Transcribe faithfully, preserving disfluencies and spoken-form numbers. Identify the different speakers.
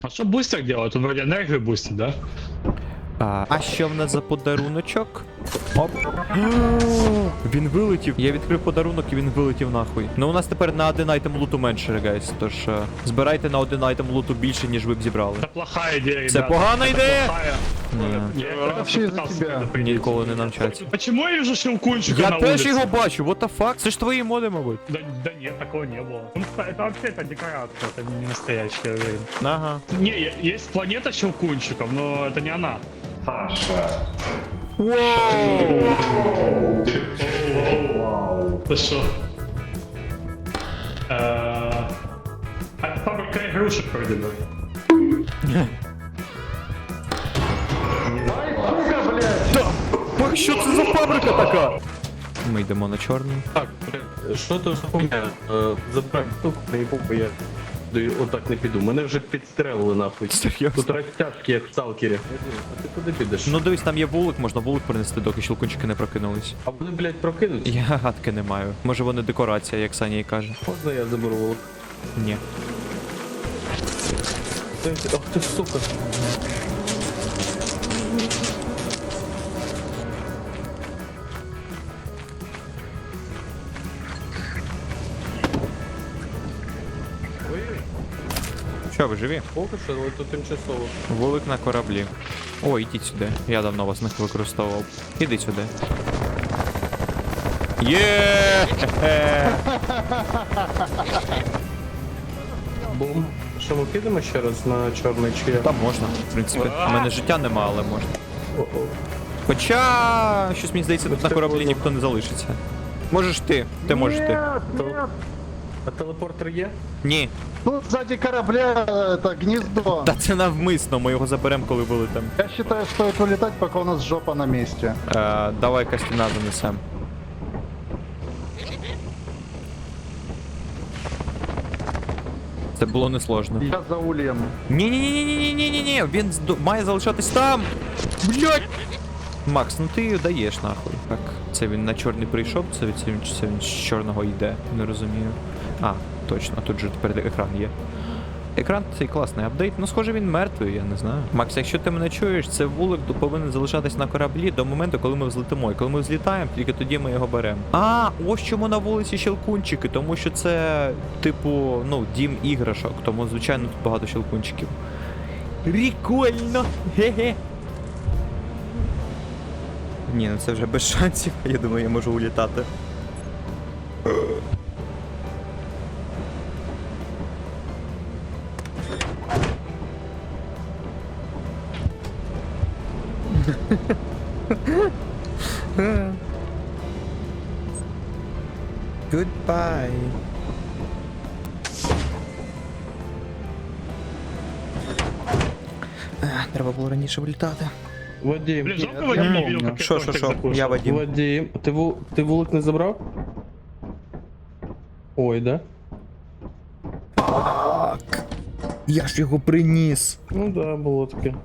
Speaker 1: А что бустер делает? Он вроде энергию бустит, да?
Speaker 2: А, а що в нас за подаруночок? Оп. Він вилетів. Я відкрив подарунок і він вилетів нахуй. Ну у нас тепер на один айтем луту менше, гайс. Тож е, збирайте на один айтем луту більше, ніж ви б зібрали.
Speaker 1: Это плохая идея,
Speaker 2: Це
Speaker 1: ребята.
Speaker 2: погана
Speaker 1: Это
Speaker 2: ідея?
Speaker 1: плохая.
Speaker 2: Ні.
Speaker 1: Я
Speaker 3: Это
Speaker 1: как раз
Speaker 3: вообще из-за
Speaker 1: пытался
Speaker 3: тебя.
Speaker 1: предупредить.
Speaker 2: Ніколи не навчаться.
Speaker 1: Почему я вижу щелкунчика
Speaker 2: Я
Speaker 1: на
Speaker 2: теж
Speaker 1: улице?
Speaker 2: його бачу, what the fuck? Це ж твої моди, мабуть.
Speaker 1: Да, да нет, такого не было. Ну, Это вообще это декорация, это не настоящий, я уверен.
Speaker 2: Ага.
Speaker 1: Не, е- есть планета щелкунчиков, но это не она. Ты что? Э, а Фабрика игрушек вроде бы.
Speaker 2: Ой, що це за фабрика така? Ми йдемо на чорний.
Speaker 4: Так, бля, що то за хуйня? Е, Забрав штуку, наїбу, бо я до- отак не піду. Мене вже підстрелили нахуй.
Speaker 2: Серйозно?
Speaker 4: Тут розтяжки, як в сталкері. А ти куди підеш?
Speaker 2: Ну дивись, там є вулик, можна вулик принести, доки щелкунчики не прокинулись.
Speaker 4: А вони, блядь, прокинуться?
Speaker 2: Я гадки не маю. Може вони декорація, як Саня і каже.
Speaker 4: Можна я заберу волок?
Speaker 2: Ні.
Speaker 4: Ах ти сука.
Speaker 2: Що, ви живі?
Speaker 4: Поки що, але тут тимчасово.
Speaker 2: Вулик на кораблі. О, ідіть сюди. Я давно вас не використовував. Іди сюди. Є!
Speaker 4: Бум. Що, ми підемо ще раз на чорний чи як?
Speaker 2: Там можна, в принципі. У мене життя нема, але можна.
Speaker 4: О-о.
Speaker 2: Хоча, щось мені здається, тут на кораблі ніхто не залишиться. Можеш ти, ти можеш ти.
Speaker 4: Тел- А телепортер є?
Speaker 2: Ні.
Speaker 3: Тут сзади корабля это гнездо.
Speaker 2: Та це навмисно, ми його заберемо, коли вилетимо.
Speaker 3: Я считаю, стоит вылетать, пока у нас жопа на месте.
Speaker 2: Е, давай Костяна занесем. Це було несложно.
Speaker 3: Я за ульем.
Speaker 2: Ні-ні-ні-ні-ні-ні-ні, він зд- має залишатись там. Блять! Макс, ну ти даєш нахуй. Так, це він на чорний прийшов, це від це він, чи це він з чорного йде, не розумію. А, точно, тут же тепер екран є. Екран цей класний апдейт, ну схоже він мертвий, я не знаю. Макс, якщо ти мене чуєш, це вулик повинен залишатись на кораблі до моменту, коли ми взлетимо. І коли ми взлітаємо, тільки тоді ми його беремо. А, ось чому на вулиці щелкунчики, тому що це, типу, ну, дім іграшок, тому, звичайно, тут багато щелкунчиків. Прикольно! Ге-ге! Ні, ну це вже без шансів, я думаю, я можу улітати. Goodbye. Ех, треба було раніше вилітати.
Speaker 4: Вадим,
Speaker 1: Блин, жалко
Speaker 3: я
Speaker 1: Вадим не
Speaker 3: помню.
Speaker 1: видел, как я
Speaker 2: Шо, шо,
Speaker 1: тортик
Speaker 2: шо,
Speaker 1: закушал.
Speaker 2: я Вадим.
Speaker 4: Вадим, ти, ву... ти вулик не забрав? Ой, да?
Speaker 2: Я ж його приніс.
Speaker 4: Ну да, було таке.